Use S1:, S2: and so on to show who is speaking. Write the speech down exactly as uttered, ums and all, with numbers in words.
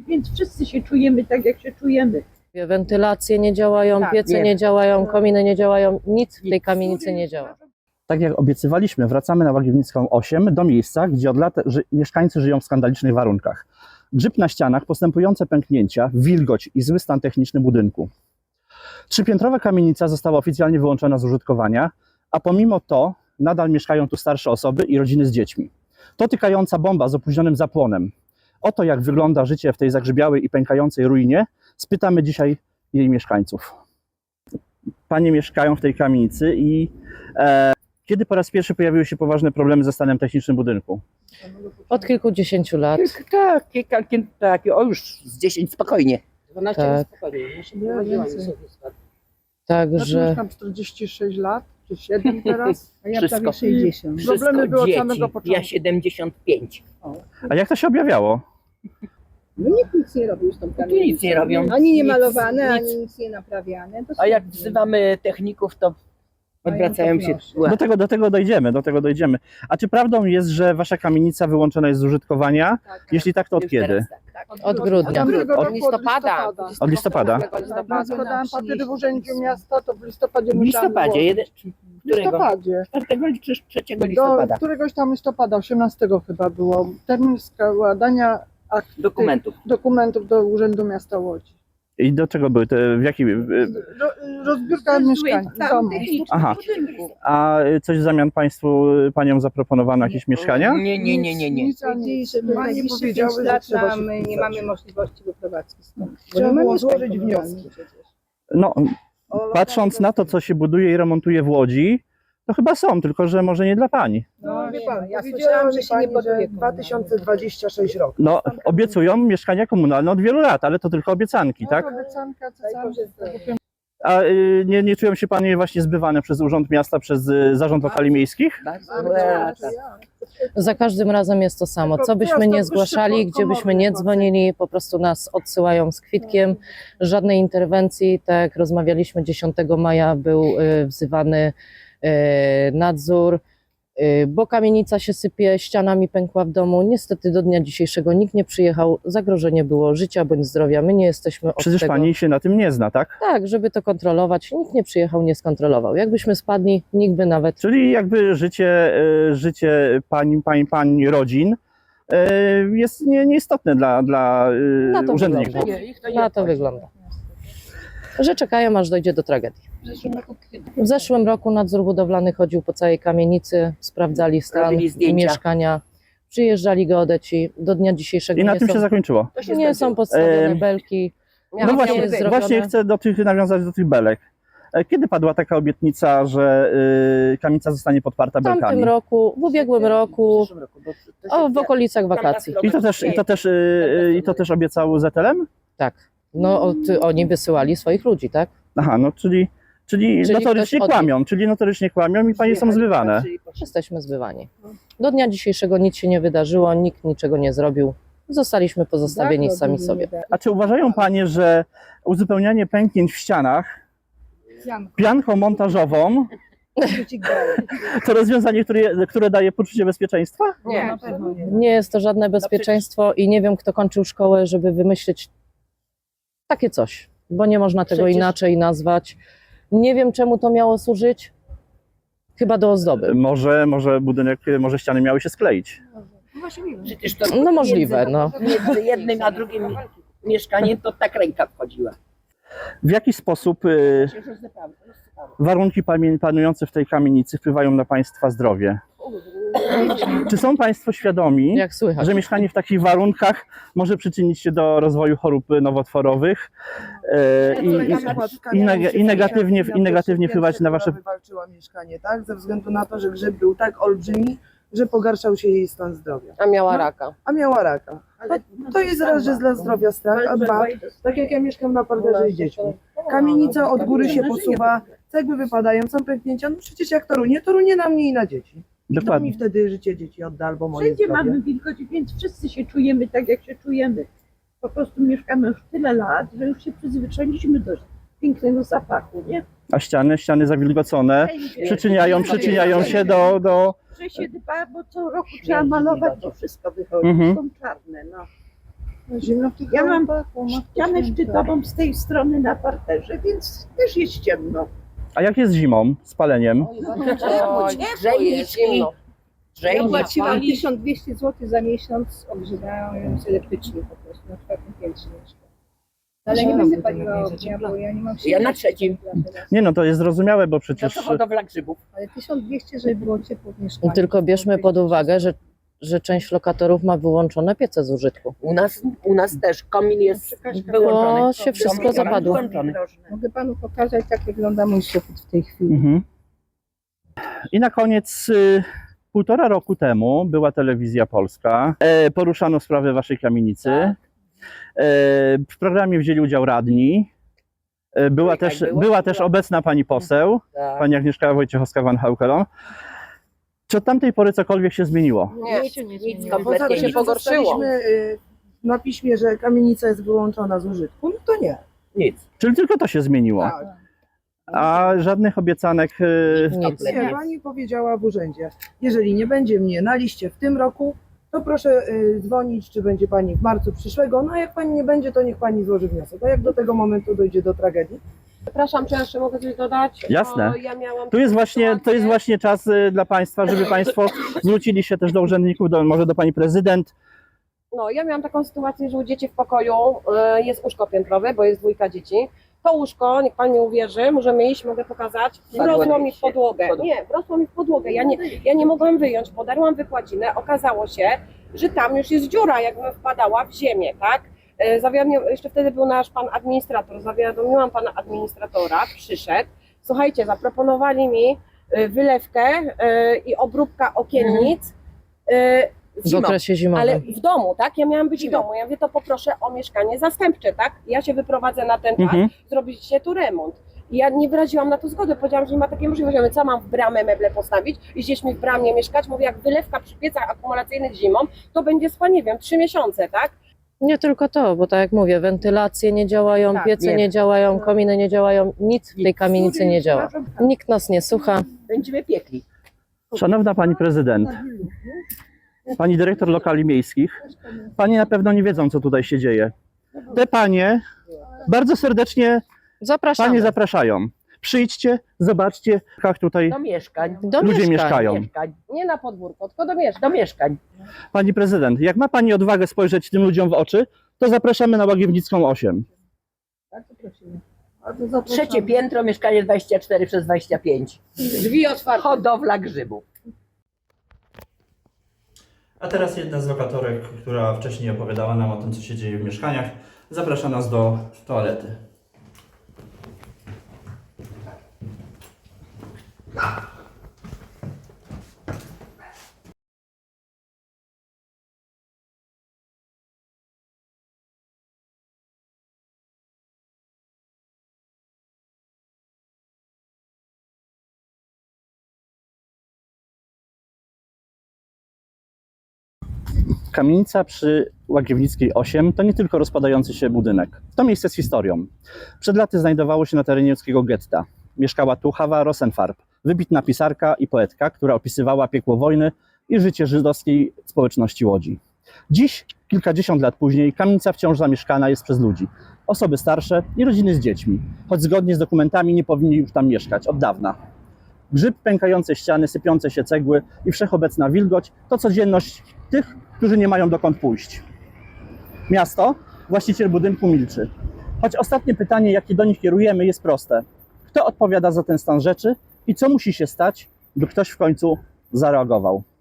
S1: więc wszyscy się czujemy tak, jak się czujemy.
S2: Wentylacje nie działają,
S3: Tak,
S2: piece
S3: wiem.
S2: nie działają, kominy nie działają, nic w tej kamienicy nie działa.
S4: Tak jak obiecywaliśmy, wracamy na Łagiewnicką osiem do miejsca, gdzie od lat ży mieszkańcy żyją w skandalicznych warunkach. Grzyb na ścianach, postępujące pęknięcia, wilgoć i zły stan techniczny budynku. Trzypiętrowa kamienica została oficjalnie wyłączona z użytkowania, a pomimo to nadal mieszkają tu starsze osoby i rodziny z dziećmi. To tykająca bomba z opóźnionym zapłonem. Oto jak wygląda życie w tej zagrzybiałej i pękającej ruinie, spytamy dzisiaj jej mieszkańców. Panie mieszkają w tej kamienicy i e, kiedy po raz pierwszy pojawiły się poważne problemy ze stanem technicznym budynku?
S2: Od kilkudziesięciu lat.
S3: Tak, kilka, tak, o już z dziesięć spokojnie.
S1: dwanaście
S2: Tak.
S1: spokojnie. Ja się
S5: Ja
S1: prowadziłam
S5: więcej.
S1: sobie skład.
S5: Ja
S2: Także
S5: mieszkam czterdzieści sześć lat, czy siedem teraz, a ja
S3: Wszystko.
S5: prawie sześćdziesiąt.
S3: Wszystko
S5: Problemy były od
S3: dzieci.
S5: samego początku.
S3: Ja siedemdziesiąt pięć.
S4: A jak to się objawiało?
S1: No nikt nic nie robił z tą
S3: Tu nic nie robią.
S1: Ani nie
S3: Nic,
S1: malowane,
S3: nic.
S1: ani nic nie naprawiane. To
S3: A jak
S1: są-
S3: wzywamy techników, to odwracają się.
S4: Do tego, do tego dojdziemy, do tego dojdziemy. A czy prawdą jest, że wasza kamienica wyłączona jest z użytkowania?
S1: Tak,
S4: Jeśli tak, to od
S3: Już
S4: kiedy?
S3: teraz tak, tak.
S2: od grudnia.
S5: Tamtego
S4: Od
S5: roku
S1: listopada.
S4: Od listopada?
S5: Ja składałam papiery w urzędzie miasta, to w listopadzie
S3: W
S5: musiałam
S3: listopadzie,
S5: złożyć.
S3: jeden,
S5: W
S3: którego?
S5: listopadzie.
S3: czwartego czy trzeciego
S5: Do
S3: listopada.
S5: któregoś tam listopada, osiemnastego chyba było. Termin składania akt,
S3: Dokumentów.
S5: dokumentów do Urzędu Miasta Łodzi.
S4: I do czego były te, w jakim...
S5: Ro, rozbiórka mieszkań, domu.
S4: Aha. A coś w zamian państwu paniom zaproponowano jakieś mieszkania?
S3: Nie, nie, nie, nie, nie.
S5: Nic, ani
S1: Powiedzieli, żeby
S5: Pani
S1: najbliższe
S5: powiedziały,
S1: pięć
S5: że
S1: lat
S5: trzeba
S1: nam
S5: się
S1: nie
S5: wpisać.
S1: mamy możliwości wyprowadzki stąd. Bo
S5: Trzeba
S1: nie ma
S5: było
S1: mieszkań
S5: złożyć
S1: komunalnych
S5: wnioski.
S1: przecież.
S4: No, patrząc na to, co się buduje i remontuje w Łodzi, to chyba są, tylko że może nie dla pani.
S5: No wie pan,
S1: ja
S5: ja
S1: słyszałam, że się nie
S5: że
S1: buduje
S5: dwa tysiące dwudziesty trzeci rok.
S4: No, obiecują mieszkania komunalne od wielu lat, ale to tylko obiecanki, tak?
S5: Obiecanka, co
S1: Daj
S5: sam
S1: Boże zdrowia.
S4: A y, nie, nie czują się panie właśnie zbywane przez Urząd Miasta, przez y, Zarząd Lokali Miejskich?
S3: Bardzo ładnie.
S2: Za każdym razem jest to samo. Co byśmy nie zgłaszali, gdzie byśmy nie dzwonili, po prostu nas odsyłają z kwitkiem. Żadnej interwencji. Tak jak rozmawialiśmy, dziesiątego maja był y, wzywany y, nadzór, y, bo kamienica się sypie, ścianami pękła w domu. Niestety do dnia dzisiejszego nikt nie przyjechał. Zagrożenie było życia bądź zdrowia. My nie jesteśmy od
S4: Przecież
S2: tego.
S4: pani się na tym nie zna, tak?
S2: Tak, żeby to kontrolować. Nikt nie przyjechał, nie skontrolował. Jakbyśmy spadli, nikt by nawet...
S4: Czyli jakby życie, y, życie pań, pań, pań rodzin y, jest nie, nieistotne dla, dla y,
S2: Na to
S4: urzędników.
S2: wygląda.
S3: Nie, ich to nie
S2: Na to
S3: obchodzi.
S2: wygląda. Że czekają, aż dojdzie do tragedii. W zeszłym roku nadzór budowlany chodził po całej kamienicy, sprawdzali stan
S3: Robili zdjęcia.
S2: mieszkania, przyjeżdżali geodeci. Do dnia dzisiejszego
S4: I na
S2: nie,
S4: tym
S2: są,
S4: się zakończyło.
S3: To się
S2: nie
S3: skończyło.
S2: są podstawione
S4: Em,
S2: belki.
S4: No
S2: Nic
S4: właśnie,
S2: nie jest zrobione.
S4: właśnie chcę do tych, nawiązać do tych belek. E, Kiedy padła taka obietnica, że y, kamienica zostanie podparta
S2: W tamtym
S4: belkami?
S2: roku, w ubiegłym roku,
S3: W przyszłym roku, bo to się-
S2: o, w okolicach wakacji.
S4: I to też, i to też, y, y, i to też obiecał Z L M?
S2: Tak. No, od, oni wysyłali swoich ludzi, tak?
S4: Aha, no czyli, czyli,
S2: Czyli
S4: notorycznie
S2: ktoś od nich.
S4: kłamią, czyli notorycznie kłamią i panie są zbywane.
S2: Jesteśmy zbywani. Do dnia dzisiejszego nic się nie wydarzyło, nikt niczego nie zrobił. Zostaliśmy pozostawieni
S1: Tak,
S2: sami
S1: robili,
S2: sobie.
S1: nie da.
S4: A czy uważają panie, że uzupełnianie pęknięć w ścianach pianką montażową to rozwiązanie, które, które daje poczucie bezpieczeństwa?
S3: Nie.
S1: Na pewno nie.
S2: Nie jest to żadne bezpieczeństwo i nie wiem, kto kończył szkołę, żeby wymyślić takie coś, bo nie można tego
S3: Przecież-
S2: inaczej nazwać. Nie wiem, czemu to miało służyć. Chyba do ozdoby.
S4: Może, może budynek, może ściany miały się skleić.
S3: Przecież to
S2: No możliwe, no.
S3: między jednym a drugim mieszkaniem to tak ręka wchodziła.
S4: W jaki sposób y, warunki pamię- panujące w tej kamienicy wpływają na państwa zdrowie? Czy są państwo świadomi,
S2: Jak słychać.
S4: że mieszkanie w takich warunkach może przyczynić się do rozwoju chorób nowotworowych e, i, i, i, neg- i negatywnie, i negatywnie wpływać na wasze...
S6: Wywalczyła mieszkanie, tak? Ze względu na to, że grzyb był tak olbrzymi, że pogarszał się jej stan zdrowia.
S2: A miała
S6: No.
S2: raka.
S6: A miała raka.
S1: Ale
S6: To jest raz, że dla zdrowia strach, a dwa, tak jak ja mieszkam na parterze z dziećmi. Kamienica od góry się posuwa, cegły wypadają, są pęknięcia. No przecież jak to runie, to runie na mnie i na dzieci. Kto mi
S4: Dokładnie.
S6: wtedy życie dzieci odda albo moje
S1: Wszędzie
S6: zdrowie?
S1: mamy wilgoć, więc wszyscy się czujemy tak, jak się czujemy. Po prostu mieszkamy już tyle lat, że już się przyzwyczailiśmy do pięknego zapachu, nie?
S4: A ściany, ściany zawilgocone przyczyniają, przyczyniają się do... do
S1: Że się dba, bo co roku trzeba malować, to wszystko wychodzi,
S4: Mhm.
S1: są czarne, no.
S5: Zimno w tych
S1: Ja mam
S5: chałupach, o matko
S1: ścianę
S5: święta.
S1: szczytową z tej strony na parterze, więc też jest ciemno.
S4: A jak jest zimą, z paleniem?
S3: Grzejniczki.
S7: Ja płaciłam
S3: Grzejniczki.
S7: tysiąc dwieście złotych za miesiąc, ogrzewając elektrycznie po prostu na czwartym piętrze mieszkam. Ale nie będę paliła ognia, bo ja nie mam siły.
S3: Ja na trzecim.
S4: Nie no, to jest zrozumiałe, bo
S3: To
S4: przecież
S3: to hodowla grzybów.
S7: Ale tysiąc dwieście, żeby było ciepło w mieszkaniu.
S2: Tylko bierzmy pod uwagę, że, że część lokatorów ma wyłączone piece z użytku.
S3: U nas, u nas też komin jest wyłączony.
S2: Bo się wszystko
S3: Komin
S2: zapadło.
S3: wyłączony.
S7: Mogę panu pokazać, jak wygląda mój sufit w tej chwili.
S4: Mhm. I na koniec, y, półtora roku temu była telewizja polska, e, poruszano sprawę waszej kamienicy. E, w programie wzięli udział radni. E, była,
S3: Tak,
S4: też,
S3: było.
S4: była też obecna pani poseł,
S3: Tak.
S4: pani Agnieszka Wojciechowska-Van Haukelon. Czy od tamtej pory cokolwiek się zmieniło?
S3: Nie,
S1: Nic się nie
S3: nic
S1: zmieniło.
S6: Poza
S3: kompletnie
S6: tym,
S3: nie.
S6: że zostaliśmy y, na piśmie, że kamienica jest wyłączona z użytku, no to nie.
S3: Nic.
S4: Czyli tylko to się zmieniło.
S6: Tak.
S4: A żadnych obiecanek. y,
S2: Nic.
S6: Nie, pani powiedziała w urzędzie, jeżeli nie będzie mnie na liście w tym roku, to proszę y, dzwonić, czy będzie pani w marcu przyszłego, no a jak pani nie będzie, to niech pani złoży wniosek. A jak do tego momentu dojdzie do tragedii?
S8: Przepraszam, czy jeszcze mogę coś dodać?
S4: Jasne.
S8: Bo ja miałam
S4: Tu jest
S8: taką
S4: właśnie, to
S8: sytuację.
S4: jest właśnie czas y, dla Państwa, żeby Państwo zwrócili się też do urzędników, do, może do Pani Prezydent.
S8: No, ja miałam taką sytuację, że u dzieci w pokoju y, jest łóżko piętrowe, bo jest dwójka dzieci. To łóżko, niech Pan mi uwierzy, możemy iść, mogę pokazać, wrosło mi w podłogę. Nie, wrosło mi w podłogę. Ja nie, ja nie mogłam wyjąć, podarłam wykładzinę, okazało się, że tam już jest dziura, jakbym wpadała w ziemię, tak? Y, Zawiadomił, jeszcze wtedy był nasz pan administrator, zawiadomiłam pana administratora, przyszedł. Słuchajcie, zaproponowali mi y, wylewkę y, i obróbka okiennic. y,
S2: W
S3: Zimą.
S2: okresie zimowym.
S8: Ale w domu, tak? Ja miałam być w domu. Ja mówię, to poproszę o mieszkanie zastępcze, tak? Ja się wyprowadzę na ten czas,
S4: Mhm.
S8: zrobicie tu remont. I ja nie wyraziłam na to zgody, powiedziałam, że nie ma takiej możliwości. Ja mówię, co mam w bramę meble postawić i gdzieś mi w bramie mieszkać? Mówię, jak wylewka przy piecach akumulacyjnych zimą, to będzie trwa, nie wiem, trzy miesiące, tak?
S2: Nie tylko to, bo tak jak mówię, wentylacje nie działają,
S8: Tak,
S2: piece
S3: nie.
S2: nie działają, kominy nie działają, nic w tej kamienicy nie działa. Nikt nas nie słucha.
S3: Będziemy piekli.
S4: Szanowna Pani Prezydent, Pani Dyrektor Lokali Miejskich, Panie na pewno nie wiedzą, co tutaj się dzieje. Te Panie bardzo serdecznie
S2: Zapraszamy
S4: Panie zapraszają. Przyjdźcie, zobaczcie, jak tutaj
S3: Do mieszkań.
S2: do
S4: ludzie
S2: mieszkań.
S4: mieszkają.
S3: Mieszkań.
S8: Nie na podwórko, tylko do mieszkań.
S3: Do mieszkań.
S4: Pani Prezydent, jak ma Pani odwagę spojrzeć tym ludziom w oczy, to zapraszamy na Łagiewnicką osiem.
S5: Bardzo prosimy. Bardzo zapraszamy.
S3: Trzecie piętro, mieszkanie dwadzieścia cztery przez dwadzieścia pięć.
S8: Drzwi otwarte.
S3: Hodowla grzybów.
S4: A teraz jedna z lokatorek, która wcześniej opowiadała nam o tym, co się dzieje w mieszkaniach, zaprasza nas do toalety. Kamienica przy Łagiewnickiej osiem to nie tylko rozpadający się budynek. To miejsce z historią. Przed laty znajdowało się na terenie łódzkiego getta. Mieszkała tu Hawa Rosenfarb, wybitna pisarka i poetka, która opisywała piekło wojny i życie żydowskiej społeczności Łodzi. Dziś, kilkadziesiąt lat później, kamienica wciąż zamieszkana jest przez ludzi. Osoby starsze i rodziny z dziećmi, choć zgodnie z dokumentami nie powinni już tam mieszkać od dawna. Grzyb, pękające ściany, sypiące się cegły i wszechobecna wilgoć to codzienność tych, którzy nie mają dokąd pójść. Miasto, właściciel budynku milczy. Choć ostatnie pytanie, jakie do nich kierujemy, jest proste. Kto odpowiada za ten stan rzeczy i co musi się stać, by ktoś w końcu zareagował?